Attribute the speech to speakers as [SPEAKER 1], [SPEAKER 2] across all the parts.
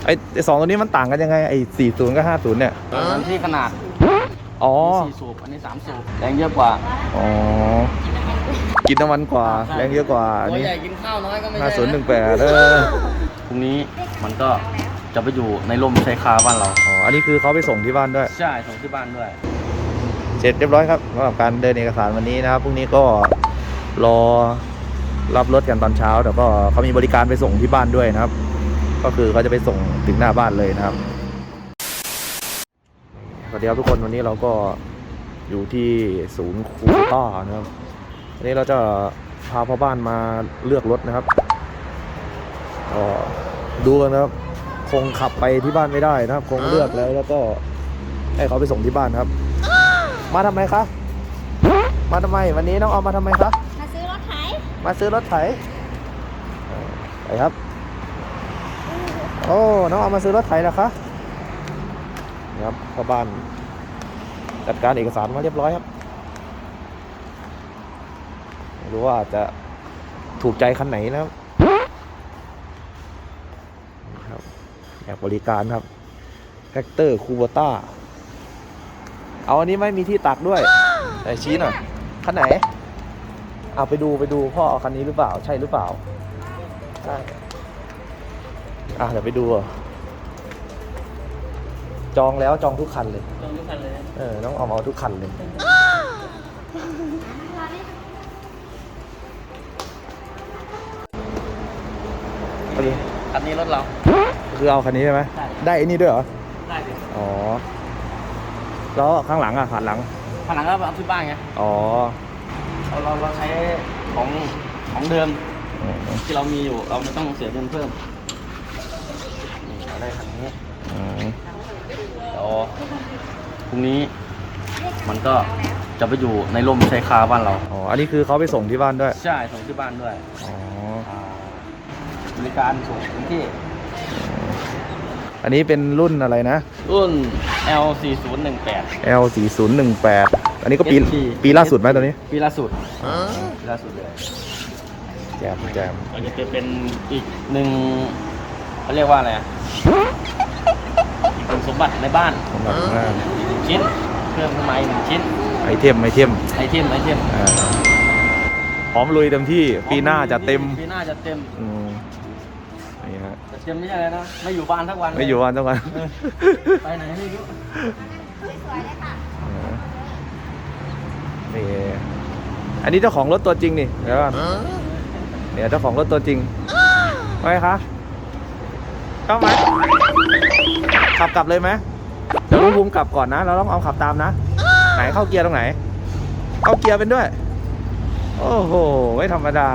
[SPEAKER 1] ไอ้สองตัวนี้มันต่างกันยังไงไอ้40กับ50เนี่ย
[SPEAKER 2] มันที่ขนาด
[SPEAKER 1] อ๋อ
[SPEAKER 2] 4 สูบอันนี้3 สูบแรงเยอะกว่า
[SPEAKER 1] อ๋อกินน้ำมันกว่าแรงเยอะกว่าอัน
[SPEAKER 2] ตัว
[SPEAKER 1] นี้
[SPEAKER 2] ใหญ่กินข้าวน้อยก็ไม่ใช่นะ
[SPEAKER 1] 5018
[SPEAKER 2] พรุ่งนี้มันก็จะไปอยู่ในร่มชายคาบ้านเรา
[SPEAKER 1] อ๋ออันนี้คือเขาไปส่งที่บ้านด้วย
[SPEAKER 2] ใช่ส่งที่บ้านด้วย
[SPEAKER 1] เสร็จเรียบร้อยครับสำหรับการเดินเอกสารวันนี้นะครับพรุ่งนี้ก็รอรับรถกันตอนเช้าแต่ก็เขามีบริการไปส่งที่บ้านด้วยนะครับก็คือเขาจะไปส่งถึงหน้าบ้านเลยนะครับสวัสดีครับทุกคนวันนี้เราก็อยู่ที่ศูนย์คูต้านะครับวันนี้เราจะพาพ่อบ้านมาเลือกรถนะครับก็ดูกันนะครับคงขับไปที่บ้านไม่ได้นะครับคงเลือกแล้วก็ให้เขาไปส่งที่บ้านครับมาทำไมคะมาทำไมวันนี้น้องออมมาทำไมคะ
[SPEAKER 3] มาซื้อรถไถ
[SPEAKER 1] มาซื้อรถไถไปครับโอ้น้องออมมาซื้อรถไถเหรอคะครับพ่อบ้านจัดการเอกสารมาเรียบร้อยครับไม่รู้ว่าจะถูกใจคันไหนนะครับอยากบริการครับแท็กเตอร์คูโบต้าเอาอันนี้ไม่มีที่ตักด้วยแต่ชี้หน่อยคันไหนเอาไปดูพ่อเอาคันนี้หรือเปล่าใช่หรือเปล่าใช่เดี๋ยวไปดูจองแล้วจองทุกคันเลยน้องออมเอาทุกคันเลยโอเค
[SPEAKER 2] คันนี้รถเรา
[SPEAKER 1] คือเอาคันนี้ใช่ไหมได้ไอ้นี่ด้วยเหรอ
[SPEAKER 2] ได้ดิ
[SPEAKER 1] อ๋อแล้วข้างหลังขาหลัง
[SPEAKER 2] ก็เอาที่บ้านไง
[SPEAKER 1] อ๋อ
[SPEAKER 2] เราใช้ของเดิมที่เรามีอยู่เราไม่ต้องเสียเงินเพิ่มนี่เราได้คันนี้เดี๋ยวพรุ่งนี้มันก็จะไปอยู่ในร่มชายคาบ้านเรา
[SPEAKER 1] อ๋ออันนี้คือเขาไปส่งที่บ้านด้วย
[SPEAKER 2] ใช่ส่งที่บ้านด้วยอ๋อบริการส่งถึงที่
[SPEAKER 1] อันนี้เป็นรุ่นอะไรนะ
[SPEAKER 2] รุ่น L4018
[SPEAKER 1] L4018 อันนี้ก็ปีล่าสุดไหมตัวนี้
[SPEAKER 2] ปีล่าสุดเลย
[SPEAKER 1] แจม
[SPEAKER 2] ก็จะเป็นอีกหนึ่งเขาเรียกว่าอะไรอีกหนึ่งสมบัติในบ้านชิ้นเครื่องไม้1 ชิ้น
[SPEAKER 1] ไอเทมพร้อมลุยเต็มที่ปีหน้าจะเต็มนี่ฮะ
[SPEAKER 2] เต็มไม่ใช่อะไรนะไม่อยู่บ้านทั้งวัน
[SPEAKER 1] ไม่อยู่บ้านทั้งวัน
[SPEAKER 2] ไปไหนไม่รู้
[SPEAKER 3] สวยเลยค่ะ
[SPEAKER 1] นี่อันนี้เจ้าของรถตัวจริงนี่เดี๋ยวเนี่ยเจ้าของรถตัวจริงไปคะเข้าไหมขับกลับเลยไหมเดี๋ยวลุงภูมิกลับก่อนนะเราต้องเอาขับตามนะไหนเข้าเกียร์ตรงไหนเข้าเกียร์เป็นด้วยโอ้โหไม่ธรรมดา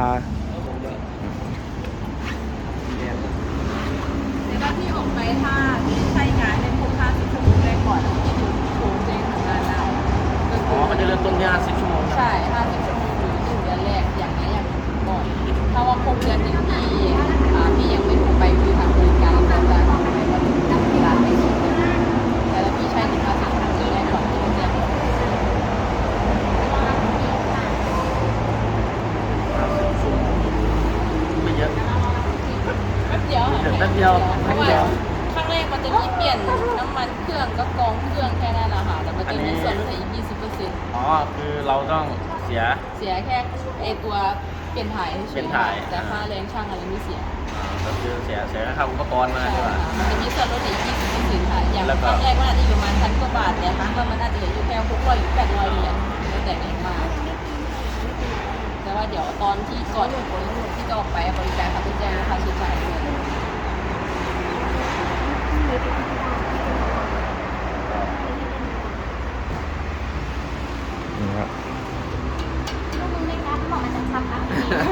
[SPEAKER 3] ที่ออกไปถ้าใช้งานในพวก50 ชั่วโมงแรกก่อนที่ดูโชว์เจงของงานเรา
[SPEAKER 2] มันจะเริ่มต้นที่50 ชั่วโมง
[SPEAKER 3] ใช่50 ชั่วโมงหรือ1 เดือนแรกอย่างนี้อย่างก่อนถ้าว่าครบเดือน1 ปีพี่ยังไม่ถูกไปคือทางบริการเราจะทำให้ว่าถึงเวลาไม่ส่งแต่ถ้าพี่ใช้1 ภาษาทางนี้แรกก่อนที่จะ
[SPEAKER 2] ไม่เยอะ
[SPEAKER 3] แป๊บเดียวข้างแรกมันจะมีเปลี่ยนน้ำมันเครื่องก็กองเครื่องแค่นั้นแหละค่ะแต่มันจะมีส่วนลดอีก 20%
[SPEAKER 2] อ๋อคือเราต้องเสีย
[SPEAKER 3] แค่ไอตัวเปลี่ยนถ่ายแต่ค่าแรงช่างอะไรไม่เสีย
[SPEAKER 2] ก็คือเสียค่าอุปกรณ์มาใช่ป่ะ
[SPEAKER 3] มันจะมีส่วนลดอีก 20%ค่ะอย่างครั้งแรกมันอาจจะอยู่ประมาณ1,000 กว่าบาทแต่ครั้งก็มันอาจจะเหลืออยู่แค่600 หรือ 800 เหรียญแล้วแต่เองมาแต่ว่าเดี๋ยวตอนที่ก่อนที่จะออกไปบริการเขาจะแจ้งค่าใช้จ่ายด้วย
[SPEAKER 1] นี่ครับ
[SPEAKER 3] ลูกมึงไม่รับบอกมันจะทำนะ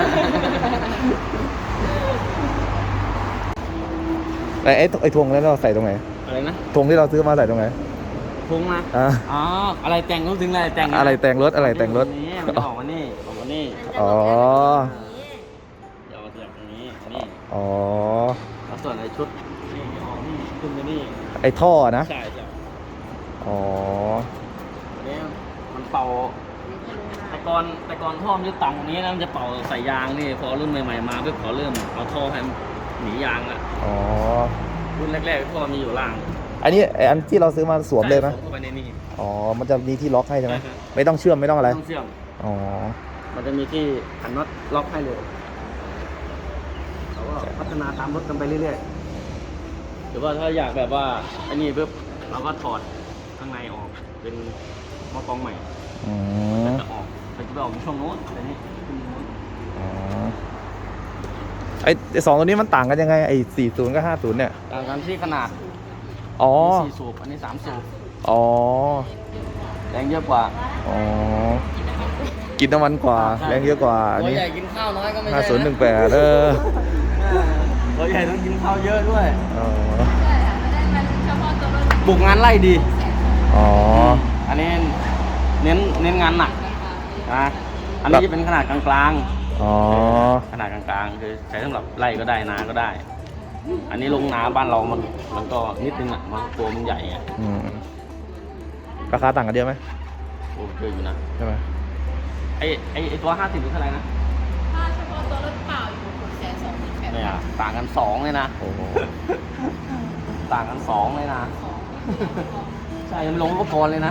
[SPEAKER 1] ไอ้ทวงแล้วเราใส่ตรงไหน
[SPEAKER 2] อะไรนะ
[SPEAKER 1] ทวงที่เราซื้อมาใส่ตรงไหน
[SPEAKER 2] ทวงนะอ๋ออะไรแต่งรถถึงอะไรแต่ง
[SPEAKER 1] อะไรแต่งรถ
[SPEAKER 2] นี้มันออกมานี่
[SPEAKER 1] อ๋อ
[SPEAKER 2] เดี๋ยวมาเสียบตรงนี้
[SPEAKER 1] อ๋อ
[SPEAKER 2] แล้วส่วนไอ้ชุดนี่ออกนี่ขึ้นไปนี่
[SPEAKER 1] ไอ้ท่อนะ
[SPEAKER 2] ใช่
[SPEAKER 1] อ๋อ
[SPEAKER 2] เนี่ยมันเป่าแต่ก่อนท่อมันจะต่ำกว่านี้นะมันจะเป่าใส่ยางนี่พอรุ่นใหม่ๆมาเพื่อขอเริ่มเอาท่อให้หนียางละ
[SPEAKER 1] อ๋อ
[SPEAKER 2] รุ่นแรกๆพวกเรามีอยู่ล่าง
[SPEAKER 1] อันนี้อันที่เราซื้อมาสวมเลยไหม
[SPEAKER 2] สวมเข้าไปในนี่
[SPEAKER 1] อ๋อมันจะมีที่ล็อกให้ใช่ไหม
[SPEAKER 2] ใช่ครับ
[SPEAKER 1] ไม่ต้องเชื่อมไม่ต้องอะไร
[SPEAKER 2] ต้องเชื่อม
[SPEAKER 1] อ๋อ
[SPEAKER 2] มันจะมีที่ขันน็อตล็อกให้เลยเราก็พัฒนาตามรถกันไปเรื่อยๆหรือว่าถ้าอยากแบบว่าอันนี้ปุ๊บเราก็ถอดข้างในออกเป็นหม้อกรองใหม่
[SPEAKER 1] อืม
[SPEAKER 2] จะออกมันจะไปออกช่วงโน้นแต่นี่ขึ้นโน้น
[SPEAKER 1] อ๋อไอ้สองตัวนี้มันต่างกันยังไงไอ้40กับ50เนี่ย
[SPEAKER 2] ต่างกันที่ขนาด
[SPEAKER 1] อ๋อ
[SPEAKER 2] อันนี้4 สูบอันนี้3 สูบ
[SPEAKER 1] อ๋อ
[SPEAKER 2] แรงเยอะกว่า
[SPEAKER 1] อ๋อกินน้ำมันกว่าแรงเยอะกว่าอัน
[SPEAKER 2] ตัว
[SPEAKER 1] นี้
[SPEAKER 2] ใหญ่กินข้าวน้อยก็ไม่ใช่นะ
[SPEAKER 1] 5018
[SPEAKER 2] ตัวใหญ่ต้องกินข้าวเยอะด้วย
[SPEAKER 1] อ๋อ
[SPEAKER 3] ใช่ค่ะไม่ได้มันเฉพาะตัวรถ
[SPEAKER 2] บุกงานไล่ดี
[SPEAKER 1] อ๋อ
[SPEAKER 2] อันนี้เน้นงานหนักนะอันนี้จะเป็นขนาดกลาง
[SPEAKER 1] อ๋อ
[SPEAKER 2] ๆขนาดกลางๆคือใช้สำหรับไล่ก็ได้นาก็ได้ อันนี้ลงนาบ้านเรามันก็นิดนึงอ่ะมันตัวมันใหญ่อ่ะ
[SPEAKER 1] อืมราคาต่างกันเยอะไหม
[SPEAKER 2] โอ้เยอะอยู่นะ
[SPEAKER 1] ใช่ไหม
[SPEAKER 2] ไอตัว50นี่เท่าไหร่นะ
[SPEAKER 3] ถ้าเฉพาะตัวรถเปล่าอยู่628,000
[SPEAKER 2] เนี่ยต่างกัน2เลยนะ
[SPEAKER 1] โอ้โห
[SPEAKER 2] ต่างกัน2เลยนะ ใช่ยังไม่ลงอุปกรณ์เลยนะ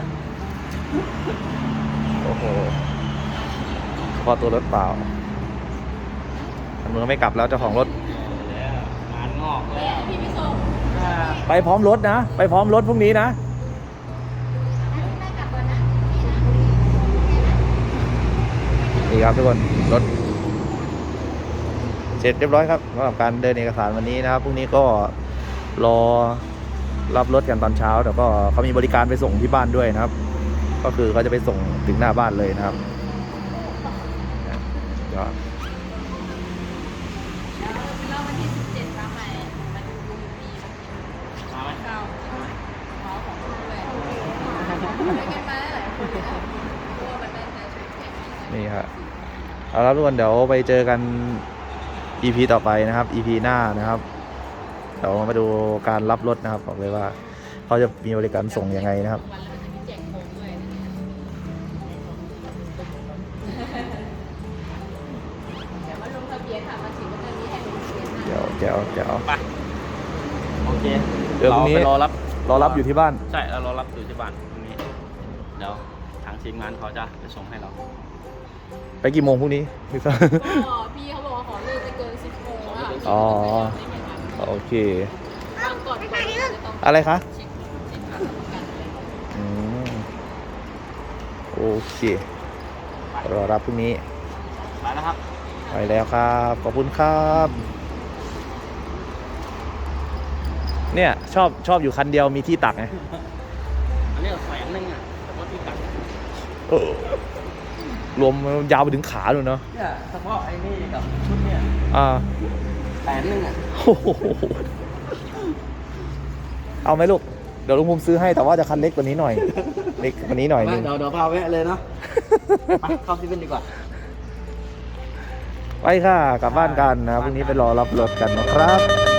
[SPEAKER 1] โอ้โหเฉพาะตัวรถเปล่ามันไม่กลับแล้วเจ้าของรถ
[SPEAKER 2] งานงอกแล้ว
[SPEAKER 3] พี่ไม่ส่ง
[SPEAKER 1] ไปพร้อมรถนะ ไปพร้อมรถพรุ่งนี้นะ นี่ครับทุกคนรถเสร็จเรียบร้อยครับสำหรับการเดินเอกสารวันนี้นะครับพรุ่งนี้ก็รอรับรถกันตอนเช้าแต่ก็เขามีบริการไปส่งที่บ้านด้วยนะครับ ก็คือเขาจะไปส่งถึงหน้าบ้านเลยนะครับก็
[SPEAKER 3] แล้ววันที่17มาใหม่มาดูดีมาเก้าขอของคุณด้วยช่วยกันมาหลายคนเลยนะเพราะว่ามันน่าจะช่วยแข่ง
[SPEAKER 1] นี่ครับเอาละทุกคนเดี๋ยวไปเจอกัน EP ต่อไปนะครับ EP หน้านะครับเดี๋ยวมาดูการรับรถนะครับบอกเลยว่าเขาจะมีบริการส่งยังไงนะครับ
[SPEAKER 3] วันแล้วมันจะมีแจกโค้งด้วยนะเนี่ยเดี๋ยวมาลงทะเบียนค่ะมาถึงก็จะมีให้ลงทะเบียนนะ
[SPEAKER 1] เดี๋ยว
[SPEAKER 2] ไปโอเค
[SPEAKER 1] เดี๋ยวพรุ่งนี้
[SPEAKER 2] ไปรอรับ
[SPEAKER 1] อยู่ที่บ้าน
[SPEAKER 2] ใช่เรารอรับอยู่ที่บ้านตรงนี้เดี๋ยวทางทีมงานเขาจะไปส่งให้เรา
[SPEAKER 1] ไปกี่โมงพรุ่งนี้พี่ซ่า
[SPEAKER 3] ก็พี่เขาบอกว่าขอเลิกไปเกิน10 โมงอะค่ะ
[SPEAKER 1] อ๋อ
[SPEAKER 3] ไม่มีทาง
[SPEAKER 1] โอเค
[SPEAKER 3] บางก่อนก็จะต้อง
[SPEAKER 1] อะไรคะ
[SPEAKER 3] เช็คค่าประกันอะไร
[SPEAKER 1] อืมโอเครอรับพรุ่งนี้
[SPEAKER 2] ไปแล้วครับ
[SPEAKER 1] ไปแล้วครับขอบคุณครับ เนี่ยชอบอยู่คันเดียวมีที่ตักไง
[SPEAKER 2] อันนี้100,000อ่ะแต่ว่าที่กัด
[SPEAKER 1] เออรวมยาวไปถึงขาเลยเนาะ
[SPEAKER 2] เนี่ยเฉพาะไอ้นี่กับชุดเนี่ย
[SPEAKER 1] อ่า
[SPEAKER 2] 100,000อ่ะ
[SPEAKER 1] โอ้โหเอาไหมลูก เดี๋ยวลุงภูมิซื้อให้แต่ว่าจะคันเล็กกว่านี้หน่อย เล็กกว่านี้หน่อยนึง
[SPEAKER 2] เดี๋ยวพาแวะเลยเนาะไปเข้าซีเว่นดีกว่า
[SPEAKER 1] ไปค่ะกลับบ้านกันนะพรุ่งนี้ไปรอรับรถกันนะครับ